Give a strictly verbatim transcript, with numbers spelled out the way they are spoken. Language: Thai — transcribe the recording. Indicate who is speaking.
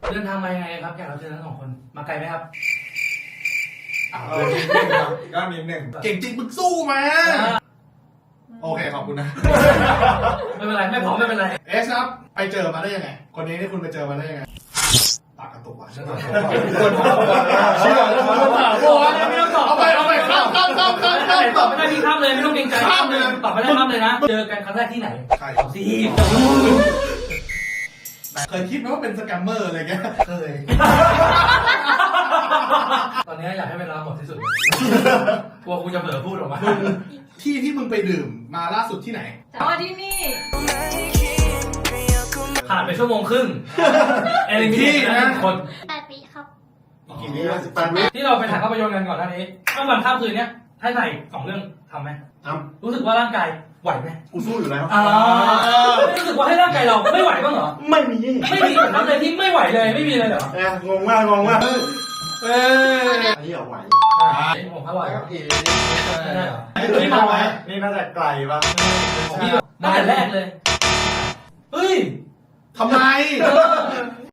Speaker 1: เดินทางมายังไงครับแขกรับเชิญทั้งสองคนมาไกลไหมครับ
Speaker 2: เออนิดนึงครับก็นิดนึงเก่งจริงมึงสู้มาโอเคขอบคุณนะ
Speaker 1: ไม่เป็นไรไม่พร้อมไม่เป็นไร
Speaker 2: เอสครับไปเจอมาได้ยังไงคนนี้ที่คุณไปเจอมาได้ยังไงปากกระตุกว่ะฉันตอบคนถามเชื่อแล้วคนถามว่าไม่ต้องตอบเอาไปเอาไปข้ามข้ามข้ามข้ามข้าม
Speaker 1: ตอบไม่ได้พี่ข้ามเลยไม่ต้องเกรงใจข้ามเลยตอบไม่ได้ข้ามเลยนะเจอกันครั้งแรกที่ไหน
Speaker 2: ใคร
Speaker 1: สิ
Speaker 2: เคยคิดไหมว่าเป็นสแกมเมอร์อะไรเงี้ยเคย
Speaker 1: ตอนนี้อยากให้เวลาหมดที่สุดกลัวกูจะเผลอพูดออกมา
Speaker 2: ที่ที่มึงไปดื่มมาล่าสุดที่ไหน
Speaker 3: อ๋อที่นี่
Speaker 1: ผ่านไปชั่วโมงครึ่งเอลิมี่นะคน
Speaker 3: แปดปีครับ
Speaker 2: กี่ปีแล้วสิบแปดปี
Speaker 1: ที่เราไปถ่ายภาพยนตร์กันก่อนหน้านี้ข้ามวันข้ามคืนเนี้ยถ้าถ่ายสองเรื่องทำไหม
Speaker 2: ทำ
Speaker 1: รู้สึกว่าร่างกายไหวไหม
Speaker 2: กูสู้อยู่แล้ว
Speaker 1: อ่ารู้สึกว่าให้ร่างกายเราไม่ไหวบ้างเหรอ
Speaker 2: ไม่มี
Speaker 1: ไม่มีทำอะไรที่ไม่ไหวเลยไม่มีเลยเหรอ
Speaker 2: เอองงมากงงมากเอออันนี้เอาไหว
Speaker 1: ผมอร่อยครับพี่
Speaker 2: ไม่ได้เหรอนี่มาไหมนี่น่าจะไกลป่ะ
Speaker 1: พี่ตั้งแต่แรกเลยเฮ้ย
Speaker 2: ทำไม